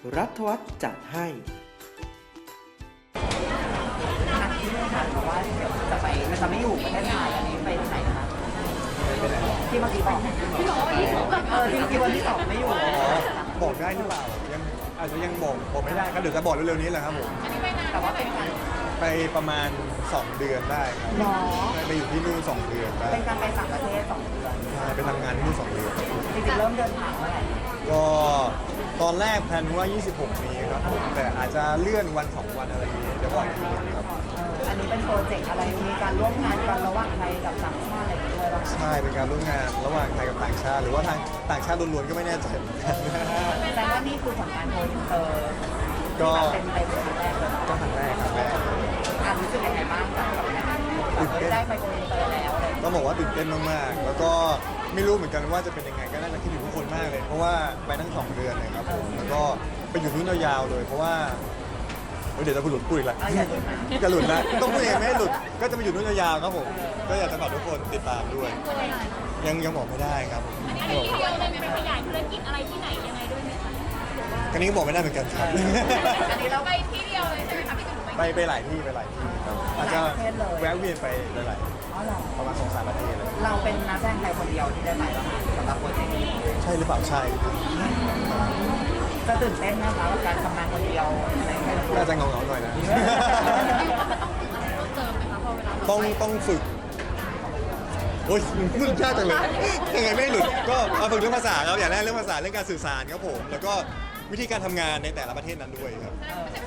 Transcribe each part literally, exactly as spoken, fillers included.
รัฐวัฒน์จัดให้ที่นี่ค่ะเพราะว่าเดี๋ยวจะไปมันจะไม่อยู่ประเทศไทยอันนี้ไปที่ไหนคะที่เมื่อกี้บอกที่บอกว่าที่สองเออที่เมื่อกี้วันที่สองไม่อยู่บอกได้หรือเปล่ายังอาจจะยังบอกบอกไม่ได้ครับเดี๋ยวจะบอกเร็วๆนี้แหละครับผมแต่ว่าเป็นการไปประมาณสองเดือนได้ครับไปอยู่ที่นู่นสองเดือนได้เป็นการไปต่างประเทศสองเดือนใช่ไปทำงานที่นู่นสองเดือนจริงๆเริ่มเดินทางเมื่อไหร่ก็ตอนแรกแพลนว่ายี่สิบหกนี้ครับผมแต่อาจจะเลื่อนวันสองวันอะไรอย่างเงี้ยเดี๋ยวบอกอีกทีนึงครับอันนี้เป็นโปรเจกต์อะไรมีการร่วมงานกันระหว่างไทยกับต่างชาติอะไรอย่างเงี้ยด้วยป่ะใช่เป็นการร่วมงานระหว่างไทยกับต่างชาติหรือว่าทางต่างชาติล้วนๆก็ไม่แน่ใจเหมือนกันแต่ว่านี่คือผลงานโปรอินเตอร์ก็เป็นไปเป็นครั้งแรกเลยก็ครั้งแรกครับแรกอ่านรู้สึกยังไงบ้างกับตื่นเต้นได้ไปโปรอินเตอร์แล้วก็บอกว่าตื่นเต้นมากๆแล้วก็ไม่รู้เหมือนกันว่าจะเป็นยังไงก็น่าจะคิดถึงทุกคนมากเลยเพราะว่าไปทั้งสองเดือนเลยครับผมแล้วก็ไปอยู่ที่นู่นยาวๆเลยเพราะว่าเดี๋ยวจะหลุดพูดอีกแล้วจะหลุดนะต้องพูดเองไม่ให้หลุดก็จะไปอยู่นู่นยาวๆครับผมก็อยากจะฝากทุกคนติดตามด้วยยังยังบอกไม่ได้ครับอันนี้ที่เดียวเลยไปขยายธุรกิจอะไรที่ไหนยังไงด้วยไหมคะอันนี้ก็บอกไม่ได้เหมือนกันครับอันนี้เราไปที่เดียวเลยใช่ไหมคะพี่จุ๋มไปไปหลายที่ไปหลายที่ครับอาจจะแวะเวียนไปหลายๆประมาณสองสามประเทศเลยเราเป็นนักแสดงไทยคนเดียวที่ได้ไปแล้วสำหรับโปรเจกต์นี้ใช่หรือเปล่าใช่จะตื่นเต้นนะคะกับการทำงานคนเดียวอะไรอย่างเงี้ยน่าจะเงาๆหน่อยนะต้องต้องฝึกโอ้ยมึงยากจังเลยยังไงไม่หลุดก็มาฝึกเรื่องภาษาครับอย่างแรกเรื่องภาษาเรื่องการสื่อสารครับผมแล้วก็วิธีการทำงานในแต่ละประเทศนั้นด้วยครับ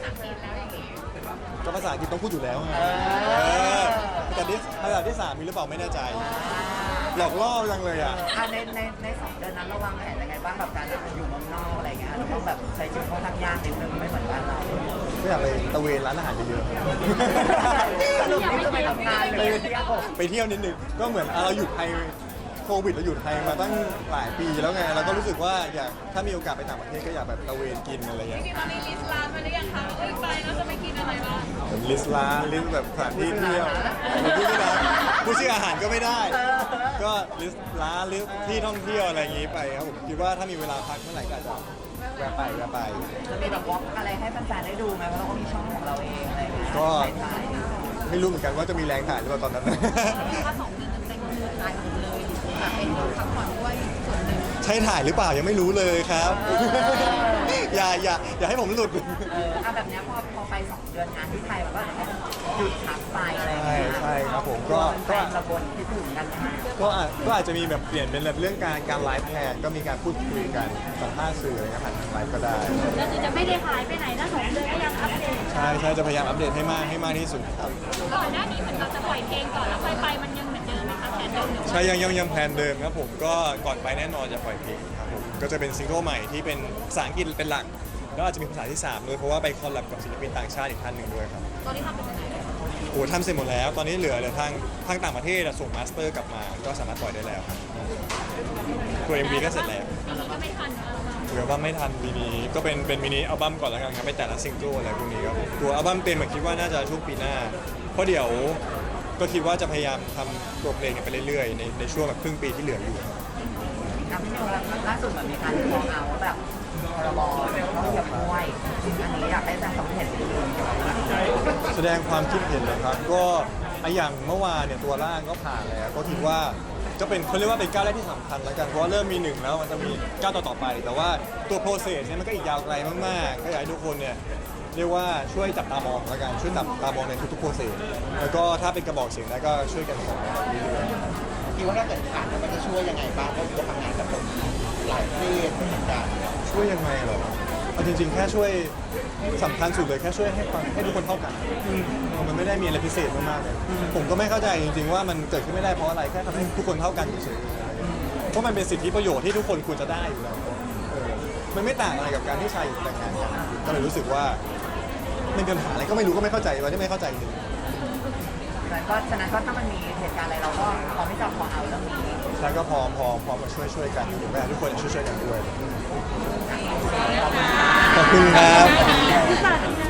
ก็ภาษาอังกฤษต้องพูดอยู่แล้วไงแต่ที่ภาษาที่สามมีหรือเปล่าไม่แน่ใจหลอกล่อจังเลยอ่ะในในในสองเดือนนั้นระวังแผนยังไงบ้างแบบการอยู่เมืองนอกอะไรเงี้ยเราต้องแบบใช้ชีวิตค่อนข้างยากนิดนึงไม่เหมือนบ้านเราไม่อยากไปตะเวนร้านอาหารเยอะๆสรุปนี่ก็ไปทำงานเลยไปเที่ยวนิดนึงก็เหมือนเราอยู่ไทยโควิดเราอยู่ไทยมาตั้งหลายปีแล้วไงเราก็รู้สึกว่าอยากถ้ามีโอกาสไปต่างประเทศก็อยากแบบตะเวนกินอะไรอย่างเงี้ยตอนนี้ลิสต์ร้านมาหรือยังคะเอ้ยไปแล้วจะไปกินอะไรบ้างลิสต์ร้านลิสต์แบบสถานที่เที่ยวพูดไม่ได้พูดชื่ออาหารก็ไม่ได้ก็ลิสต์ร้านลิสต์ที่ท่องเที่ยวอะไรอย่างงี้ไปครับผมคิดว่าถ้ามีเวลาพักเมื่อไหร่ก็จะแวะไปแวะไปจะมีแบบวอล์กอะไรให้แฟนๆได้ดูไหมเพราะเราก็มีช่องของเราเองอะไรอย่างเงี้ยก็ไม่รู้เหมือนกันว่าจะมีแรงถ่ายหรือเปล่าตอนนั้นถ้าสองเดือนเต็มๆถ่ายหมดเลยแต่เป็นพักผ่อนด้วยส่วนหนึ่งใช่ถ่ายหรือเปล่ายังไม่รู้เลยครับอย่าอย่าอย่าให้ผมหลุดเออเอาแบบนี้พอพอไปสองเดือนงานที่ไทยมันก็หยุดพักไปอะไรอย่างเงี้ยใช่ครับผมก็ก็ระบนที่ถึงกันก็ก็อาจจะมีแบบเปลี่ยนเป็นเรื่องการการไลฟ์แทนก็มีการพูดคุยกันสัมภาษณ์สื่ออะไรเงี้ยผ่านทางไลฟ์ก็ได้ก็คือจะไม่ได้หายไปไหนนะสองเดือนก็ยังอัปเดตใช่ใช่จะพยายามอัปเดตให้มากให้มากที่สุดครับก่อนหน้านี้เหมือนเราจะปล่อยเพลงก่อนแล้วค่อยไปมันยังเหมือนเดิมไหมคะแผนเดิมใช่ยังยังยังแผนเดิมครับผมก็ก่อนไปแน่นอนจะปล่อยเพลงครับผมก็จะเป็นซิงเกิลใหม่ที่เป็นภาษาอังกฤษเป็นหลักแล้วอาจจะมีภาษาที่สามด้วยเพราะว่าไปคอลแลบกับศิลปินต่างชาติอีกท่านหนึ่งด้วยครับตอนนี้ทำเป็นยังไงโอ้ทำเสร็จหมดแล้วตอนนี้เหลือเหลือทางทางต่างประเทศส่งมาสเตอร์กลับมาก็สามารถปล่อยได้แล้วครับตัว เอ็ม วี ก็เสร็จแล้วก็ไม่ทันเหลือว่าไม่ทันมินิก็เป็นเป็นมินิอัลบั้มก่อนแล้วกันครับไปแต่ละซิงเกิลอะไรพวกนี้ครับตัวอัลบั้มเต็มผมคิดว่าน่าจะช่วงปีหน้าเพราะเดี๋ยวก็คิดว่าจะพยายามทำตัวเพลงไปเรื่อยๆในในช่วงแบบครึ่งปีที่เหลืออยู่ครับพี่นิวล่าสุดแบบมีการมองเอาแบบพรบต้องเหยียบมวยอันนี้อยากให้แสดงความเห็นแสดงความคิดเห็นเลยครับก็อย่างเมื่อวานเนี่ยตัวร่างก็ผ่านแล้วก็คิดว่าจะเป็นเขาเรียกว่าเป็นก้าวแรกที่สำคัญแล้วกันเพราะว่าเริ่มมีหนึ่งแล้วมันจะมีก้าวต่อๆไปแต่ว่าตัวโปรเซสเนี่ยมันก็อีกยาวไกลมากๆก็อยากให้ทุกคนเนี่ยเรียกว่าช่วยจับตามองแล้วกันช่วยจับตามองในทุกๆโปรเซสแล้วก็ถ้าเป็นกระบอกเสียงได้ก็ช่วยกันส่งมาเรื่อยๆคิดว่าถ้าเกิดผ่านมันจะช่วยยังไงบ้างเพราะจะทำงานกับหลายประเทศเหมือนกันช่วยยังไงเหรอเอาจริงๆแค่ช่วยสำคัญสุดเลยแค่ช่วยให้ความให้ทุกคนเท่ากันมันไม่ได้มีอะไรพิเศษมากๆเลยผมก็ไม่เข้าใจจริงๆว่ามันเกิดขึ้นไม่ได้เพราะอะไรแค่ทำให้ทุกคนเท่ากันเฉยๆเพราะมันเป็นสิทธิประโยชน์ที่ทุกคนควรจะได้อยู่แล้วมันไม่ต่างอะไรกับการที่ชายหญิงแต่งงานกันก็เลยรู้สึกว่ามันเป็นปัญหาอะไรก็ไม่รู้ก็ไม่เข้าใจวันนี้ไม่เข้าใจจริงก็ฉะนั้นก็ถ้ามันมีเหตุการณ์อะไรเราก็พร้อมที่จะขอเอาเรื่องนี้ใช่ก็พร้อมพร้อมพร้อมมาช่วยช่วยกันอยู่แม่ทุกคนช่วยช่วยกันด้วยขอบคุณครับ